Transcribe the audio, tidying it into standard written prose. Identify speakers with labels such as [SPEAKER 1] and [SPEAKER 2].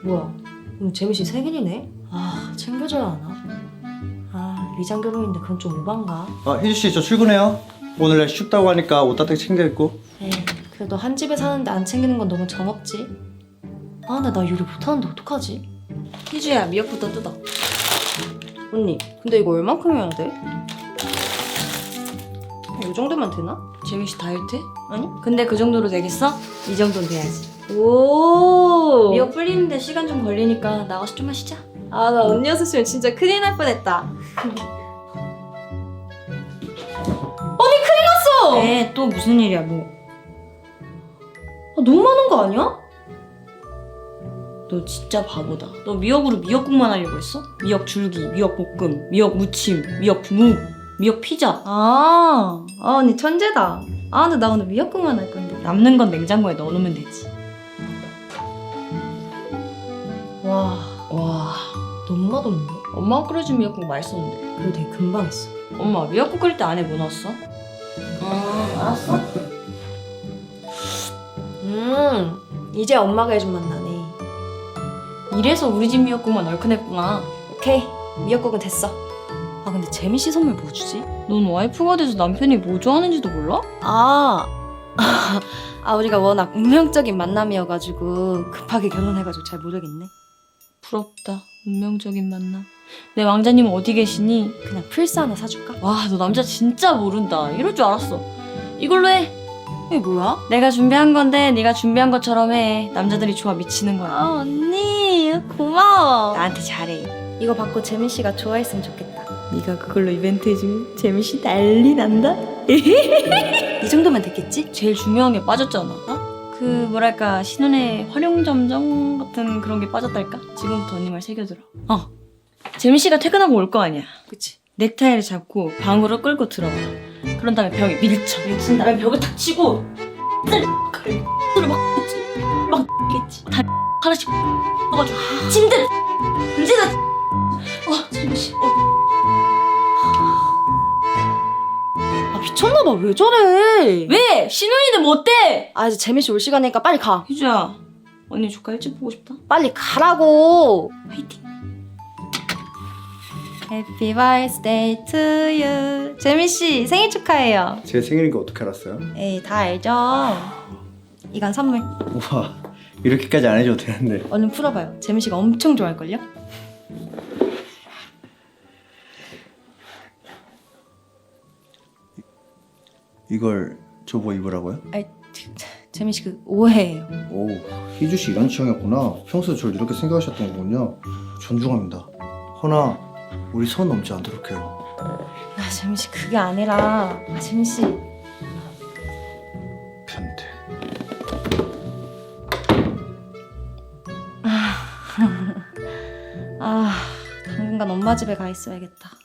[SPEAKER 1] 뭐야, 오늘 재민 씨 생일이네? 아, 챙겨줘야 하나? 아, 리장 결혼인데 그건 좀 오반가?
[SPEAKER 2] 희주 씨, 저 출근해요. 오늘 날씨 춥다고 하니까 옷 따뜻하게 챙겨 입고.
[SPEAKER 1] 에이, 그래도 한 집에 사는데 안 챙기는 건 너무 정없지? 아, 근데 나 요리 못하는데 어떡하지? 희주야, 미역부터 뜯어. 언니, 근데 이거 얼만큼 해야 돼? 이 정도면 되나?
[SPEAKER 3] 재민 씨 다이어트?
[SPEAKER 1] 아니?
[SPEAKER 3] 근데 그 정도로 되겠어? 이 정도는 돼야지.
[SPEAKER 1] 오!
[SPEAKER 3] 미역 불리는데 시간 좀 걸리니까 나가서 좀 마시자.
[SPEAKER 1] 아, 나 언니였으면 진짜 큰일 날 뻔했다.
[SPEAKER 3] 에, 또 무슨 일이야 뭐.
[SPEAKER 1] 아, 너무 많은 거 아니야?
[SPEAKER 3] 너 진짜 바보다. 너 미역으로 미역국만 하려고 했어? 미역 줄기, 미역 볶음, 미역 무침, 미역 무, 미역 피자.
[SPEAKER 1] 언니 천재다. 아, 근데 나 오늘 미역국만 할 건데.
[SPEAKER 3] 남는 건 냉장고에 넣어놓으면 되지.
[SPEAKER 1] 와,
[SPEAKER 3] 와,
[SPEAKER 1] 너무 맛없는데?
[SPEAKER 3] 엄마가 끓여준 미역국 맛있었는데.
[SPEAKER 1] 그리고 되게 금방 했어.
[SPEAKER 3] 엄마 미역국 끓일 때 안에 뭐 넣었어?
[SPEAKER 1] 알았어. 이제 엄마가 해준 맛 나네.
[SPEAKER 3] 이래서 우리 집 미역국만 얼큰했구나.
[SPEAKER 1] 오케이, 미역국은 됐어. 아, 근데 재민 씨 선물 뭐 주지?
[SPEAKER 3] 넌 와이프가 돼서 남편이 뭐 좋아하는지도 몰라?
[SPEAKER 1] 우리가 워낙 운명적인 만남이어가지고 급하게 결혼해가지고 잘 모르겠네.
[SPEAKER 3] 부럽다. 운명적인 만남. 내 왕자님은 어디 계시니?
[SPEAKER 1] 그냥 플스 하나 사줄까?
[SPEAKER 3] 와, 너 남자 진짜 모른다. 이럴 줄 알았어. 이걸로 해.
[SPEAKER 1] 이게 뭐야?
[SPEAKER 3] 내가 준비한 건데 네가 준비한 것처럼 해. 남자들이 좋아 미치는 거야.
[SPEAKER 1] 아, 언니 고마워.
[SPEAKER 3] 나한테 잘해.
[SPEAKER 1] 이거 받고 재민 씨가 좋아했으면 좋겠다.
[SPEAKER 3] 네가 그걸로 이벤트 해주면 재민 씨 난리 난다.
[SPEAKER 1] 이 정도면 됐겠지?
[SPEAKER 3] 제일 중요한 게 빠졌잖아. 그 뭐랄까 신혼의 활용점정 같은 그런 게 빠졌달까? 지금부터 언니 말 새겨들어. 재민 씨가 퇴근하고 올 거 아니야.
[SPEAKER 1] 그치.
[SPEAKER 3] 넥타이를 잡고 방으로 끌고 들어와. 그런 다음에 벽에 밀쳐. 밀친 다음에 벽을 탁 치고 칼을 막 겠지. 다 하나씩 떠가지고 침대 문제다. 재민 씨.
[SPEAKER 1] 아, 미쳤나봐. 왜 저래?
[SPEAKER 3] 왜? 신혼인데 뭐 어때?
[SPEAKER 1] 아, 이제 재민 씨 올 시간이니까 빨리 가.
[SPEAKER 3] 희주야, 언니 조카 일찍 보고 싶다.
[SPEAKER 1] 빨리 가라고.
[SPEAKER 3] 화이팅.
[SPEAKER 1] Happy birthday to you. 재민 씨 생일 축하해요.
[SPEAKER 2] 제 생일인 거 어떻게 알았어요?
[SPEAKER 1] 에이, 다 알죠. 이건 선물.
[SPEAKER 2] 우와, 이렇게까지 안 해줘도 되는데.
[SPEAKER 1] 얼른 풀어봐요. 재민 씨가 엄청 좋아할걸요?
[SPEAKER 2] 이걸 저보고 입으라고요?
[SPEAKER 1] 아이, 재민 씨 그 오해예요.
[SPEAKER 2] 오, 희주 씨 이런 취향이었구나. 평소에 저를 이렇게 생각하셨던 거군요. 존중합니다. 허나, 우리 선 넘지 않도록 해요.
[SPEAKER 1] 아, 재민 씨 그게 아니라. 아, 재민 씨.
[SPEAKER 2] 변태.
[SPEAKER 1] 당분간 엄마 집에 가 있어야겠다.